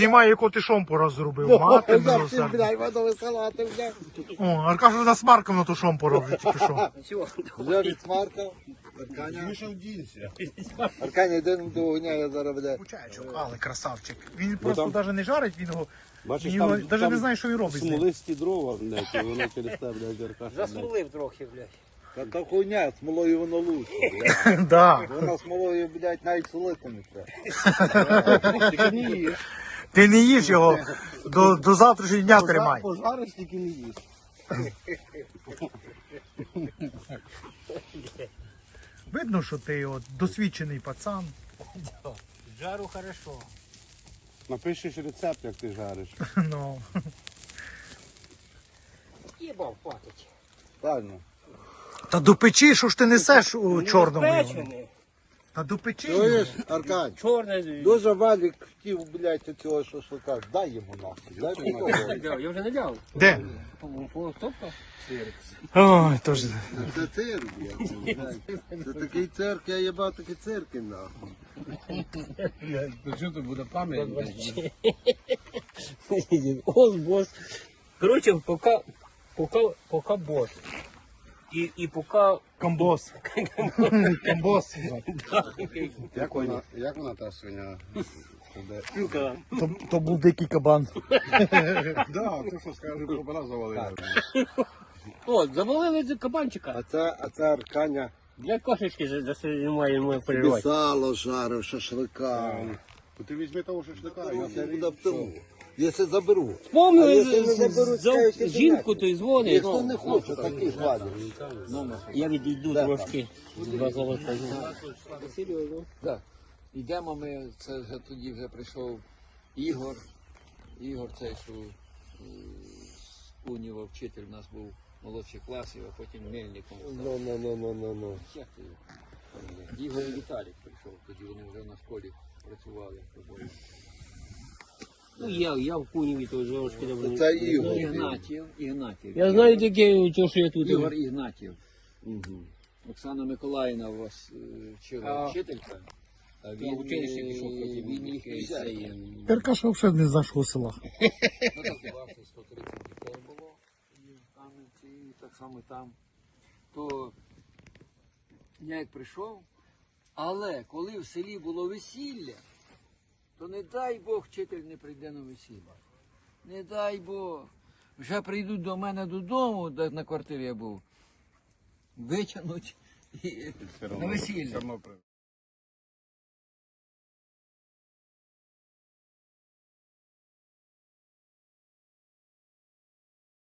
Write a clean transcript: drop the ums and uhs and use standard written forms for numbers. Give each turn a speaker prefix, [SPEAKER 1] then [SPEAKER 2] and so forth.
[SPEAKER 1] Немає, яку ти шомпура зробив. Мати милосердна. О, Аркаша на смаркав на ту шомпура вже тільки що.
[SPEAKER 2] Вже відсмаркав. Арканя. Арканя, йди до огня, я зараз буде.
[SPEAKER 1] Кучаєчок, але красавчик. Він просто навіть не жарить, він його навіть не знає, що він робить з ним.
[SPEAKER 3] Смолисті дрова, блядь, і воно через те, блядь, Аркаша.
[SPEAKER 4] Засмолив трохи, блядь.
[SPEAKER 2] Та хуйня, смолою воно лучше.
[SPEAKER 1] Да.
[SPEAKER 2] Воно смолою, блядь, навіть солити не треба.
[SPEAKER 1] Ти не їж його, до завтрашнього дня тримай.
[SPEAKER 3] Пожариш, тільки не їш.
[SPEAKER 1] Видно, що ти от досвідчений пацан.
[SPEAKER 4] Жару хорошо.
[SPEAKER 3] Напишеш рецепт, як ти жариш.
[SPEAKER 1] Ну.
[SPEAKER 4] Їбав хватить.
[SPEAKER 2] Правильно.
[SPEAKER 1] Та до печі, що ж ти несеш у чорному? його?
[SPEAKER 4] Печений.
[SPEAKER 1] Та до печі.
[SPEAKER 2] Чуєш, Аркань?
[SPEAKER 4] Чорне.
[SPEAKER 2] Дуже Валік хотів, блядь, цього шашлика. Дай йому нахуй. Дай йому нахуй.
[SPEAKER 4] Я вже не дав.
[SPEAKER 1] Де?
[SPEAKER 4] Стопка?
[SPEAKER 1] Ой, тож.
[SPEAKER 2] Це цирк, блядь. Це такий цирк, я їбав такі цирки, нахуй.
[SPEAKER 3] То що то буде пам'ять?
[SPEAKER 4] Ось бос. Короче, пока бос. І поки...
[SPEAKER 1] Комбос. Комбос.
[SPEAKER 3] Як вона та свиня?
[SPEAKER 1] То був дикий кабан.
[SPEAKER 3] Да, ти що скажеш, кобра завалила.
[SPEAKER 4] О, завалили кабанчика.
[SPEAKER 2] А це Арканя.
[SPEAKER 4] Для кошечки немає переживати.
[SPEAKER 2] Сало жарив, шашлика.
[SPEAKER 3] То ти візьми того шашлика, я
[SPEAKER 2] Це буде в тому. Якщо заберу. А
[SPEAKER 4] Вспомнили
[SPEAKER 2] якщо не заберуть, скажуть, що
[SPEAKER 4] жінку,
[SPEAKER 2] ти
[SPEAKER 4] то й дзвонить.
[SPEAKER 2] Ніхто не хоче, такий Валік.
[SPEAKER 4] Я відійду трошки.
[SPEAKER 5] Так. Йдемо ми, це вже тоді вже прийшов Ігор. Ігор цей, що з Куніва вчитель у нас був молодших класів, а потім Мельником став.
[SPEAKER 2] Ну.
[SPEAKER 5] Як ти його? Ігор і Віталік прийшов, тоді вони вже на школі працювали.
[SPEAKER 4] Ну, я в Куніві, то трошки давно.
[SPEAKER 2] Це Ігор.
[SPEAKER 5] Ігнатів.
[SPEAKER 4] Я знаю таке, що я тут.
[SPEAKER 5] Ігор Ігнатів. Оксана Миколаївна у вас вчила вчителька. А він
[SPEAKER 4] училище пішов потім,
[SPEAKER 5] він їх цей,
[SPEAKER 1] Аркаша взагалі не з нашого села.
[SPEAKER 5] ну так, класі 130 дітей було і в Кам'янці, і так само там. То я як прийшов, але коли в селі було весілля, то не дай Бог вчитель не прийде на весілля. Не дай Бог. Вже прийдуть до мене додому, де на квартирі я був, витягнуть і на весілля.